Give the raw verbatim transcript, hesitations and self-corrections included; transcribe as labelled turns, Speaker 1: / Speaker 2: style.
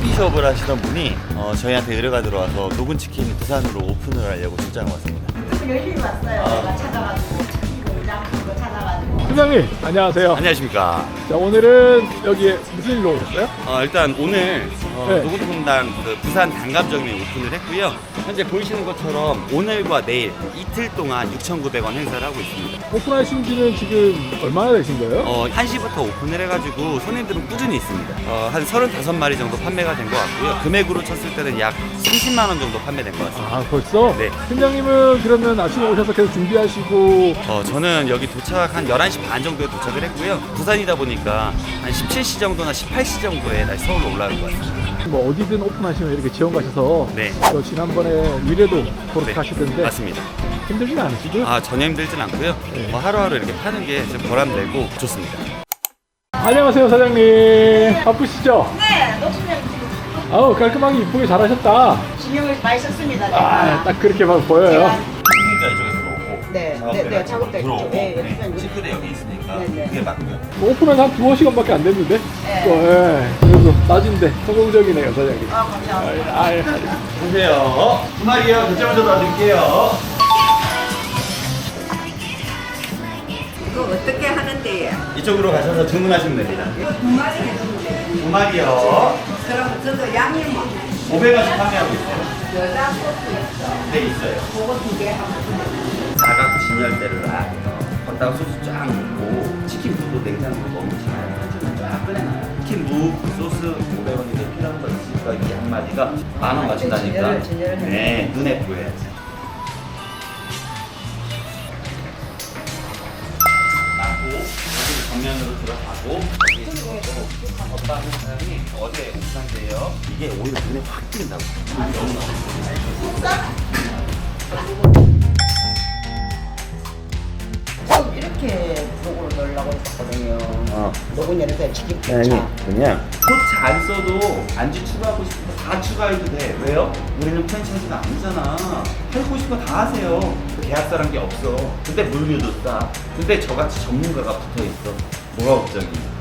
Speaker 1: 커피숍을 하시던 분이 어, 저희한테 의뢰가 들어와서 노근치킨 부산으로 오픈을 하려고 출장을 왔습니다.
Speaker 2: 열심히 왔어요.
Speaker 1: 아.
Speaker 2: 제가 찾아가지고 치킨 공장 그거 찾아가지고.
Speaker 3: 팀장님 안녕하세요.
Speaker 1: 안녕하십니까.
Speaker 3: 자 오늘은 여기에 무슨 일로 오셨어요?
Speaker 1: 어, 일단 오늘 어,
Speaker 3: 네.
Speaker 1: 노근통당 그 부산 단감점에 오픈을 했고요. 현재 보이시는 것처럼 오늘과 내일 이틀 동안 육천구백 원 행사를 하고 있습니다.
Speaker 3: 오픈하신 지는 지금 얼마나 되신 거예요?
Speaker 1: 어, 한 시부터 오픈을 해가지고 손님들은 꾸준히 있습니다. 어, 한 서른다섯 마리 정도 판매가 된 것 같고요. 금액으로 쳤을 때는 약 삼십만 원 정도 판매된 것 같습니다.
Speaker 3: 아 벌써?
Speaker 1: 네.
Speaker 3: 팀장님은 그러면 아침에 오셔서 계속 준비하시고
Speaker 1: 어, 저는 여기 도착 한 열한 시 반 정도에 도착을 했고요. 부산이다 보니까 한 십칠 시 정도나 십팔 시 정도에 다시 서울로 올라갈 것 같습니다.
Speaker 3: 뭐 어디든 오픈하시면 이렇게 지원 가셔서
Speaker 1: 네.
Speaker 3: 또 지난번에 미래도 그렇게
Speaker 1: 네,
Speaker 3: 하시던데
Speaker 1: 맞습니다.
Speaker 3: 힘들진 않으시죠?
Speaker 1: 아, 전혀 힘들진 않고요.
Speaker 3: 네.
Speaker 1: 뭐 하루하루 이렇게 파는 게 좀 보람되고 좋습니다.
Speaker 3: 안녕하세요 사장님. 바쁘시죠?
Speaker 2: 네, 녹수면
Speaker 3: 아우 깔끔하게 이쁘게 잘하셨다.
Speaker 2: 진영을 많이 썼습니다. 제가.
Speaker 3: 아 딱 그렇게만 보여요.
Speaker 1: 그러니까 이쪽에서 오고
Speaker 2: 네, 네, 네, 작업대
Speaker 1: 들어오고
Speaker 2: 이쪽. 네, 네.
Speaker 1: 싱크대 여기 있으니까
Speaker 2: 네, 네.
Speaker 1: 그게 맞고요.
Speaker 3: 뭐 오픈한 한 두어 시간밖에 안 됐는데
Speaker 2: 네.
Speaker 3: 또, 예. 그래도 낮인데 성공적이네요 사장님.
Speaker 2: 아, 감사합니다.
Speaker 3: 아, 예.
Speaker 1: 보세요. 두 마리요. 결제 먼저 놔드릴게요.
Speaker 4: 이거 어떻게 하는데요?
Speaker 1: 이쪽으로 가셔서 주문하시면 됩니다.
Speaker 4: 이거 두 마리 해주는데
Speaker 1: 두 마리요.
Speaker 4: 그럼 저도 양이 뭐
Speaker 1: 오백 원씩 판매하고 있어요.
Speaker 4: 여자 소스 있어.
Speaker 1: 네, 있어요.
Speaker 4: 그거 두 개 하면
Speaker 1: 사각 진열대를 놔요. 걷다가 소스 쫙 넣고 치킨 무도 냉장고로 넣으시면 한줄을 쫙 꺼내놔요. 치킨 무 소스 오백 원인데 필요한 거 있으니까 이 한 마리가 만 원 맞춘다니까.
Speaker 2: 진열을, 진열을 해요.
Speaker 1: 네, 눈에 보여야지. 놔고 여기 정면으로 들어가고 여기 어떤 사람이 어디에 옥상대요. 이게 오히려 눈에 확 띄는다고.
Speaker 2: 지금 이렇게 로고를 넣으려고 했었거든요.
Speaker 1: 어.
Speaker 2: 로고 열어서 치킨
Speaker 1: 아니
Speaker 2: 자
Speaker 1: 그냥 코트 안 써도 안주 추가하고 싶은 거 다 추가해도 돼. 왜요? 우리는 프랜차이즈가 아니잖아. 하고 싶은 거 다 하세요. 계약서란 게 없어. 근데 물류도 싸. 근데 저같이 전문가가 붙어 있어. 뭐가 걱정이야?